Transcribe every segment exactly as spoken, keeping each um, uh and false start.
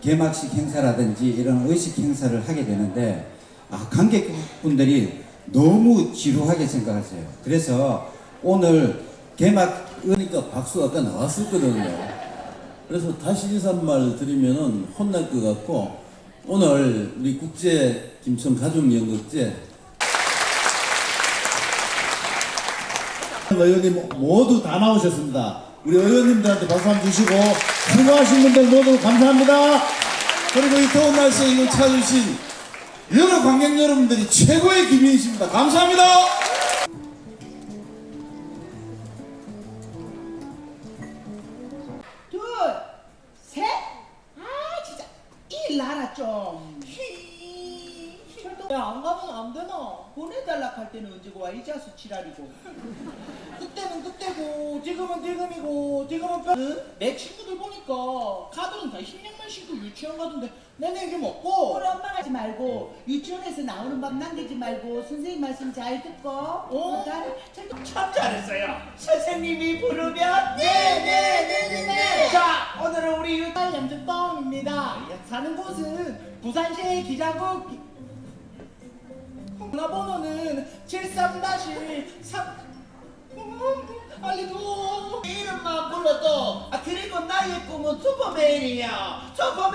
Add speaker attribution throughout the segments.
Speaker 1: 개막식 행사라든지 이런 의식 행사를 하게 되는데 아, 관객분들이 너무 지루하게 생각하세요. 그래서 오늘 개막
Speaker 2: 그러니까 박수가 아까 나왔었거든요. 그래서 다시 인사말 드리면은 혼날 것 같고, 오늘 우리 국제 김천 가족연극제 의원님 모두 다 나오셨습니다. 우리 의원님들한테 박수 한번 주시고 수고하신 분들 모두 감사합니다. 그리고 이 더운 날씨에 이걸 찾아주신 여러 관객 여러분들이 최고의 기민이십니다. 감사합니다.
Speaker 3: 둘, 셋. 아 진짜 일 나라 좀. 야, 안 가면 안 되나? 보내달라 할 때는 언제고 와 이자수 지랄이고. 그때는 그때고 지금은 지금이고 지금은 뼈... 응? 내 친구들 보니까 가들은 다 흰양만 신고 유치원 가던데 내내 이게 먹고. 우리 엄마 가지 말고 유치원에서 나오는 밥 남기지 말고 선생님 말씀 잘 듣고. 어? 참 잘했어요. 선생님이 부르면 네네네네네. 자, 오늘은 우리 유달 염주뻥입니다. 사는 곳은 부산시 기자국 전화번호는 칠삼 삼. 알리도 이름만 불러도 아 그리고 나의 꿈은 슈퍼맨이야. 슈퍼맨.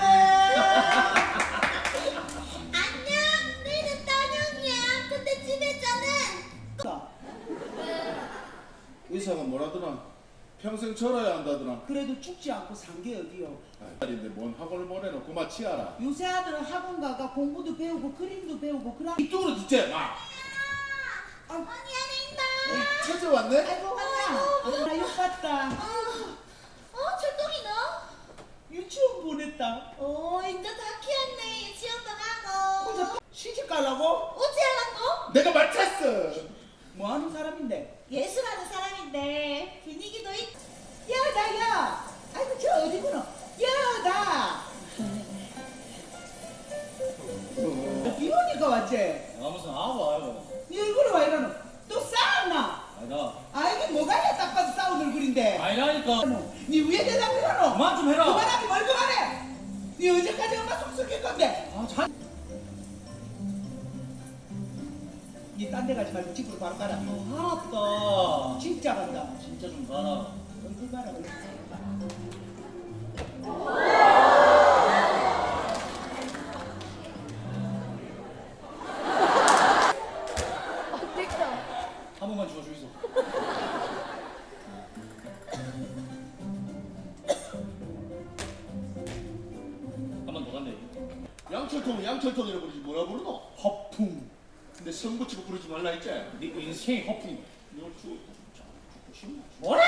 Speaker 4: 안녕, 너희는 떠령이야. 근데 집에 저는
Speaker 2: 의사가 뭐라더라? 평생 절어야 한다더라.
Speaker 3: 그래도 죽지 않고 산 게 어디요.
Speaker 2: 아인데 뭔 학원을 보내놓고 마치하라.
Speaker 3: 요새 아들은 학원 가가 공부도 배우고 그림도 배우고 그라.
Speaker 2: 이쪽으로 듣지 마.
Speaker 4: 언니 안에 있나?
Speaker 2: 찾아왔네?
Speaker 3: 아이고 왔냐. 나 욕 봤다.
Speaker 4: 어, 철동이 너?
Speaker 3: 유치원 보냈다.
Speaker 4: 어, 이제 다 키웠네. 유치원도 가고.
Speaker 3: 혼자 시집 가려고?
Speaker 4: 어찌 하려고?
Speaker 2: 내가 맡았어.
Speaker 3: 뭐 하는 사람인데?
Speaker 4: 예술하는 사람인데 분위기도 있.
Speaker 3: 야, 나, 야! 아이고, 저 어디구나? 야, 나! 비 오니까 왔지?
Speaker 5: 아 무슨 아부 아이고.
Speaker 3: 니 얼굴이 왜 이러노? 또 싸웠나?
Speaker 5: 아니다.
Speaker 3: 아, 이게 뭐가 야, 딱 봐도 싸운 얼굴인데.
Speaker 5: 아니라니까.
Speaker 3: 니 위에 대답 이러노?
Speaker 5: 그만 좀 해라.
Speaker 3: 그만하기 뭘 그만해! 니 언제까지 엄마 속 썩일 건데?
Speaker 5: 아 잘.
Speaker 3: 니 딴 데 가지 말고 집으로 바로 가라.
Speaker 5: 어, 알았다.
Speaker 3: 진짜 간다.
Speaker 5: 진짜 좀 가라.
Speaker 3: 얼굴 봐라, 얼굴.
Speaker 5: 한 번만 주워 주이소. 한 번 더 간대.
Speaker 2: 양철통 양철통이라고 부르지 뭐라 부르노?
Speaker 5: 허풍.
Speaker 2: 근데 성 붙이고 부르지 말라 했지?
Speaker 5: 네 인생이 허풍이야.
Speaker 2: 너 죽, 죽고 싶나?
Speaker 5: 뭐라?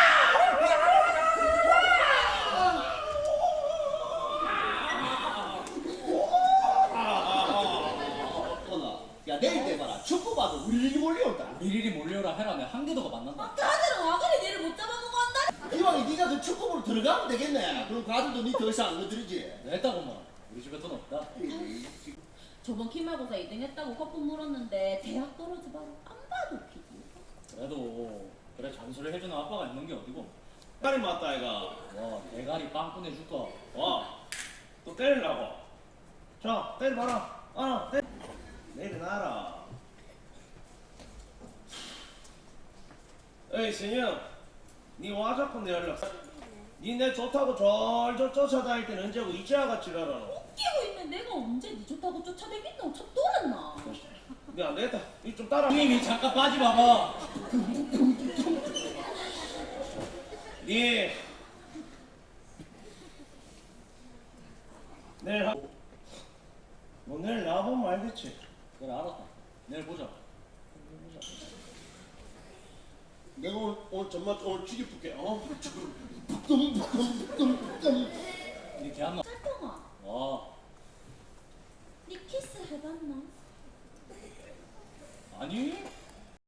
Speaker 2: 어나 야 내일 돼봐라. 축구 봐도 우리 일이 몰려온다.
Speaker 5: 일일이 몰려라 해라면 한 개도가 만난다.
Speaker 4: 다들은 와 그래 니를 못 잡아보고 한다.
Speaker 2: 이왕에 네가 그 축구부로 들어가면 되겠네. 그럼 과들도 니 더 이상 안 건드리지.
Speaker 5: 냈다고 뭐. 우리 집에 돈 없다.
Speaker 4: 저번 기말고사 이 등 했다고 거품 물었는데 대학 떨어지다가 안 봐도 피지.
Speaker 5: 그래도 그래 잔소리 해주는 아빠가 있는 게 어디고.
Speaker 6: 딸이 맞다 아이가.
Speaker 5: 와 대가리 빵 꺼내줄까.
Speaker 6: 와, 또 때리려고. 자, 때려봐라. 아, 때. 내려놔라. 에이 신영, 니와 자꾸 내 연락. 니 내 좋다고 절절 쫓아다닐 때는 언제고 이제와 지랄하노.
Speaker 4: 웃기고 있는 내가 언제 니 좋다고 쫓아다녔나? 참 돌았나?
Speaker 6: 니 안 되겠다. 니 좀 따라.
Speaker 5: 형님이 잠깐 빠지 마봐.
Speaker 6: 니 내일 하. 너 내일 나보면 알겠지.
Speaker 5: 그래 알았다. 내일 보자.
Speaker 2: 내가 오늘, 오늘 정말 오늘 쥐기 풀게. 어? 북금 북금 북금 북금.
Speaker 5: 니 개한마.
Speaker 4: 철동아,
Speaker 5: 와
Speaker 4: 니 키스 해봤나?
Speaker 5: 아니